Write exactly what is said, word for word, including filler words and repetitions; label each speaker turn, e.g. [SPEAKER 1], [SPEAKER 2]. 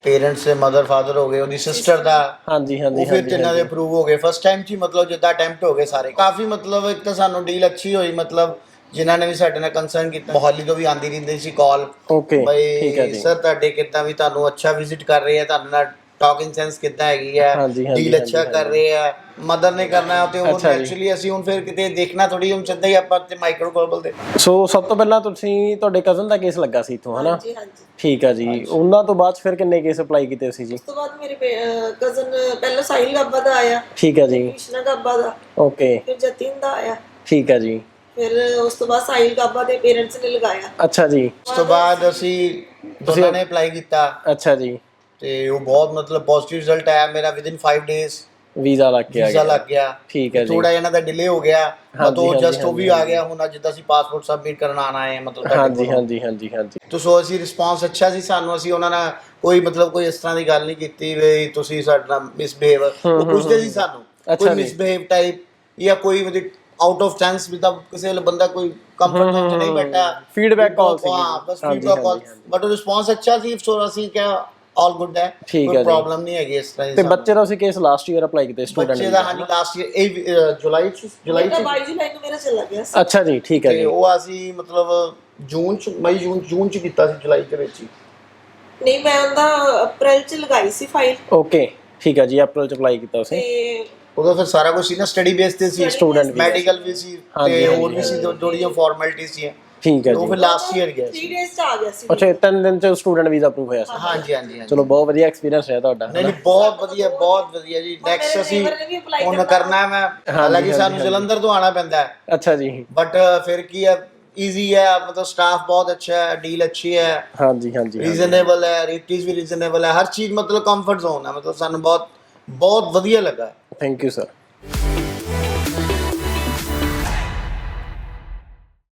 [SPEAKER 1] Parents से mother father हो गए, ਉਹਦੀ ਸਿਸਟਰ ਦਾ
[SPEAKER 2] ਹਾਂਜੀ ਹਾਂਜੀ
[SPEAKER 1] ਉਹ ਫਿਰ ਤਿੰਨਾਂ ਦੇ ਅਪਰੂਵ ਹੋ ਗਏ ਫਸਟ ਟਾਈਮ 'ਚ ਹੀ, ਮਤਲਬ ਜਿੱਦਾਂ ਅਟੈਂਪਟ ਹੋ ਗਏ ਸਾਰੇ ਕਾਫੀ। ਮਤਲਬ ਇੱਕ ਤਾਂ ਸਾਨੂੰ ਡੀਲ ਅੱਛੀ ਹੋਈ, ਮਤਲਬ ਜਿਨ੍ਹਾਂ ਨੇ ਵੀ ਸਾਡੇ ਨਾਲ ਕੰਸਰਨ ਕੀਤਾ, ਮੋਹਾਲੀ ਤੋਂ ਵੀ ਆਉਂਦੀ ਰਹਿੰਦੀ ਸੀ ਕਾਲ,
[SPEAKER 2] ਓਕੇ ਠੀਕ ਹੈ
[SPEAKER 1] ਬਈ
[SPEAKER 2] ਜੀ।
[SPEAKER 1] ਸਰ ਤੁਹਾਡੇ ਕਿੱਦਾਂ ਵੀ ਤੁਹਾਨੂੰ ਅੱਛਾ ਵਿਜ਼ਿਟ ਕਰ ਰਹੇ ਆ, ਤੁਹਾਨੂੰ ਨਾਲ ਟਾਕਿੰਗ ਸੈਂਸ ਕਿੱਦਾਂ ਹੈਗੀ ਹੈ,
[SPEAKER 2] ਹਾਂਜੀ ਹਾਂਜੀ
[SPEAKER 1] ਡੀਲ ਅੱਛਾ ਕਰ ਰਹੇ ਆ, ਮਦਰ ਨੇ ਕਰਨਾ ਤੇ ਉਹ
[SPEAKER 2] ਅੱਛਾ ਜੀ।
[SPEAKER 1] ਨੈਚੁਰਲੀ ਅਸੀਂ ਹੁਣ ਫਿਰ ਕਿਤੇ ਦੇਖਣਾ ਥੋੜੀ, ਹੁਣ ਸਿੱਧਾ ਹੀ ਆਪਾਂ ਤੇ ਮਾਈਕਰੋ ਗਲੋਬਲ ਦੇ।
[SPEAKER 2] ਸੋ ਸਭ ਤੋਂ ਪਹਿਲਾਂ ਤੁਸੀਂ ਤੁਹਾਡੇ ਕਜ਼ਨ ਦਾ ਕੇਸ ਲੱਗਾ ਸੀ ਇੱਥੋਂ, ਹਨਾ?
[SPEAKER 3] ਜੀ ਹਾਂਜੀ।
[SPEAKER 2] ਠੀਕ ਹੈ ਜੀ। ਉਹਨਾਂ ਤੋਂ ਬਾਅਦ ਫਿਰ ਕਿੰਨੇ ਕੇਸ ਅਪਲਾਈ ਕੀਤੇ ਸੀ ਜੀ?
[SPEAKER 3] ਉਸ ਤੋਂ ਬਾਅਦ ਮੇਰੇ ਕਜ਼ਨ ਪਹਿਲਾਂ ਸਾਹਿਲ ਗਾਬਾ ਦਾ ਆਇਆ,
[SPEAKER 2] ਠੀਕ ਹੈ ਜੀ।
[SPEAKER 3] ਕ੍ਰਿਸ਼ਨਾ ਗਾਬਾ ਦਾ,
[SPEAKER 2] ਓਕੇ
[SPEAKER 3] ਫਿਰ ਜਤਿਨ ਦਾ ਆਇਆ,
[SPEAKER 2] ਠੀਕ ਹੈ ਜੀ।
[SPEAKER 3] ਫਿਰ ਉਸ ਤੋਂ ਬਾਅਦ ਸਾਹਿਲ ਗਾਬਾ ਦੇ ਪੇਰੈਂਟਸ ਨੇ ਲਗਾਇਆ।
[SPEAKER 2] ਅੱਛਾ ਜੀ।
[SPEAKER 1] ਉਸ ਤੋਂ ਬਾਅਦ ਅਸੀਂ ਦੋਨਾਂ ਨੇ ਅਪਲਾਈ ਕੀਤਾ
[SPEAKER 2] ਅੱਛਾ ਜੀ।
[SPEAKER 1] ਤੇ ਉਹ ਬਹੁਤ ਮਤਲਬ ਪੋਜ਼ਿਟਿਵ ਰਿਜ਼ਲਟ ਆਇਆ ਮੇਰਾ, ਵਿਦਿਨ ਫਾਈਵ ਡੇਜ਼
[SPEAKER 2] ਵੀਜ਼ਾ ਲੱਗ ਗਿਆ
[SPEAKER 1] ਵੀਜ਼ਾ ਲੱਗ ਗਿਆ।
[SPEAKER 2] ਠੀਕ ਹੈ ਜੀ।
[SPEAKER 1] ਥੋੜਾ ਇਹਨਾਂ ਦਾ ਡਿਲੇ ਹੋ ਗਿਆ,
[SPEAKER 2] ਹਾਂਜੀ,
[SPEAKER 1] ਮਤਲਬ
[SPEAKER 2] ਹਾਂਜੀ,
[SPEAKER 1] ਜਸਟ ਉਹ ਵੀ ਆ ਗਿਆ ਹੁਣ, ਜਿੱਦਾਂ ਅਸੀਂ ਪਾਸਪੋਰਟ ਸਬਮਿਟ ਕਰਨ ਆਣਾ ਹੈ ਮਤਲਬ ਤੁਹਾਡੇ
[SPEAKER 2] ਹਾਂਜੀ
[SPEAKER 1] ਕੋਲ।
[SPEAKER 2] ਹਾਂਜੀ ਹਾਂਜੀ ਹਾਂਜੀ।
[SPEAKER 1] ਤੋ ਸੋ ਅਸੀਂ ਰਿਸਪੌਂਸ ਅੱਛਾ ਸੀ ਸਾਨੂੰ, ਅਸੀਂ ਉਹਨਾਂ ਨਾਲ ਕੋਈ ਮਤਲਬ ਕੋਈ ਇਸ ਤਰ੍ਹਾਂ ਦੀ ਗੱਲ ਨਹੀਂ ਕੀਤੀ ਵੀ ਤੁਸੀਂ ਸਾਡੇ ਨਾਲ ਮਿਸਬਿਹੇਵ, ਉਹ ਪੁੱਛਦੇ ਸੀ ਸਾਨੂੰ ਕੋਈ ਮਿਸਬਿਹੇਵ ਟਾਈਪ ਜਾਂ ਕੋਈ ਮਤਲਬ ਆਊਟ ਆਫ ਚਾਂਸ ਵੀ, ਤਾਂ ਕਿਸੇ ਵੇਲੇ ਬੰਦਾ ਕੋਈ ਕੰਫਰਟ ਜ਼ੋਨ 'ਚ ਨਹੀਂ ਬੈਠਾ,
[SPEAKER 2] ਫੀਡਬੈਕ ਕਾਲ ਸੀ।
[SPEAKER 1] ਹਾਂ ਬਸ ਫੀਡਬੈਕ ਕਾਲ, ਬਟ ਉਹ ਰਿਸਪੌਂਸ ਅੱਛਾ ਸੀ। ਸੋ ਅਸੀਂ ਕਿਹਾ ਆਲ ਗੁੱਡ ਹੈ, ਕੋਈ ਪ੍ਰੋਬਲਮ ਨਹੀਂ ਹੈਗੀ ਇਸ ਤਰ੍ਹਾਂ।
[SPEAKER 2] ਤੇ ਬੱਚੇ ਦਾ ਅਸੀਂ ਕੇਸ ਲਾਸਟ ਈਅਰ ਅਪਲਾਈ ਕੀਤੇ ਸਟੂਡੈਂਟ
[SPEAKER 1] ਬੱਚੇ ਦਾ? ਹਾਂਜੀ ਲਾਸਟ ਈਅਰ ਇਹ ਜੁਲਾਈ 'ਚ ਜੁਲਾਈ 'ਚ
[SPEAKER 3] ਬਾਈ ਜੁਲਾਈ ਨੂੰ ਮੇਰਾ ਚਲਾ ਗਿਆ ਸੀ।
[SPEAKER 2] ਅੱਛਾ ਜੀ ਠੀਕ ਹੈ ਜੀ।
[SPEAKER 1] ਤੇ ਉਹ ਅਸੀਂ ਮਤਲਬ ਜੂਨ 'ਚ ਮਈ ਜੂਨ ਜੂਨ 'ਚ ਕੀਤਾ ਸੀ, ਜੁਲਾਈ ਦੇ ਵਿੱਚ ਹੀ
[SPEAKER 3] ਨਹੀਂ, ਮੈਂ ਉਹਦਾ ਅਪ੍ਰੈਲ 'ਚ ਲਗਾਈ ਸੀ ਫਾਈਲ।
[SPEAKER 2] ਓਕੇ ਠੀਕ ਹੈ ਜੀ, ਅਪ੍ਰੈਲ 'ਚ ਅਪਲਾਈ ਕੀਤਾ ਸੀ।
[SPEAKER 3] ਤੇ
[SPEAKER 1] ਉਦੋਂ ਫਿਰ ਸਾਰਾ ਕੁਝ ਸੀ ਨਾ, ਸਟੱਡੀ ਬੇਸ ਤੇ ਸੀ,
[SPEAKER 2] ਸਟੂਡੈਂਟ
[SPEAKER 1] ਮੈਡੀਕਲ ਵੀ ਸੀ ਤੇ ਹੋਰ ਵੀ ਸੀ ਥੋੜੀਆਂ ਫਾਰਮੈਲਿਟੀਆਂ ਸੀ।
[SPEAKER 2] ਠੀਕ ਹੈ ਜੀ।
[SPEAKER 1] ਉਹ ਫਿਰ ਲਾਸਟ ਈਅਰ ਗਿਆ
[SPEAKER 3] ਤਿੰਨ
[SPEAKER 1] ਸੀ।
[SPEAKER 3] ਡੇਜ਼ 'ਚ ਆ ਗਿਆ ਸੀ।
[SPEAKER 2] ਅੱਛਾ ਤਿੰਨ ਦਿਨ 'ਚ ਸਟੂਡੈਂਟ ਵੀਜ਼ਾ ਅਪਰੂਵ ਹੋਇਆ ਸੀ।
[SPEAKER 1] ਹਾਂਜੀ ਹਾਂਜੀ ਹਾਂਜੀ।
[SPEAKER 2] ਚਲੋ ਬਹੁਤ ਵਧੀਆ ਐਕਸਪੀਰੀਅੰਸ ਰਿਹਾ ਤੁਹਾਡਾ।
[SPEAKER 1] ਨਹੀਂ ਨਹੀਂ ਬਹੁਤ ਵਧੀਆ ਬਹੁਤ ਵਧੀਆ ਜੀ। ਨੈਕਸਟ ਅਸੀਂ ਹੁਣ ਕਰਨਾ ਮੈਂ, ਹਾਲਾਂਕਿ ਸਾਨੂੰ ਜਲੰਧਰ ਤੋਂ ਆਉਣਾ ਪੈਂਦਾ ਹੈ।
[SPEAKER 2] ਅੱਛਾ ਜੀ।
[SPEAKER 1] ਬਟ ਫਿਰ ਕੀ ਹੈ, ਈਜ਼ੀ ਹੈ, ਮਤਲਬ ਸਟਾਫ ਬਹੁਤ ਅੱਛਾ ਹੈ, ਡੀਲ ਅੱਛੀ ਹੈ,
[SPEAKER 2] ਹਾਂਜੀ ਹਾਂਜੀ
[SPEAKER 1] ਰੀਜ਼ਨੇਬਲ ਹੈ, ਰੇਟਸ ਵੀ ਰੀਜ਼ਨੇਬਲ ਹੈ, ਹਰ ਚੀਜ਼ ਮਤਲਬ ਕੰਫਰਟ ਜ਼ੋਨ ਹੈ, ਮਤਲਬ ਸਾਨੂੰ ਬਹੁਤ ਬਹੁਤ ਵਧੀਆ ਲੱਗਾ।
[SPEAKER 2] Thank you sir.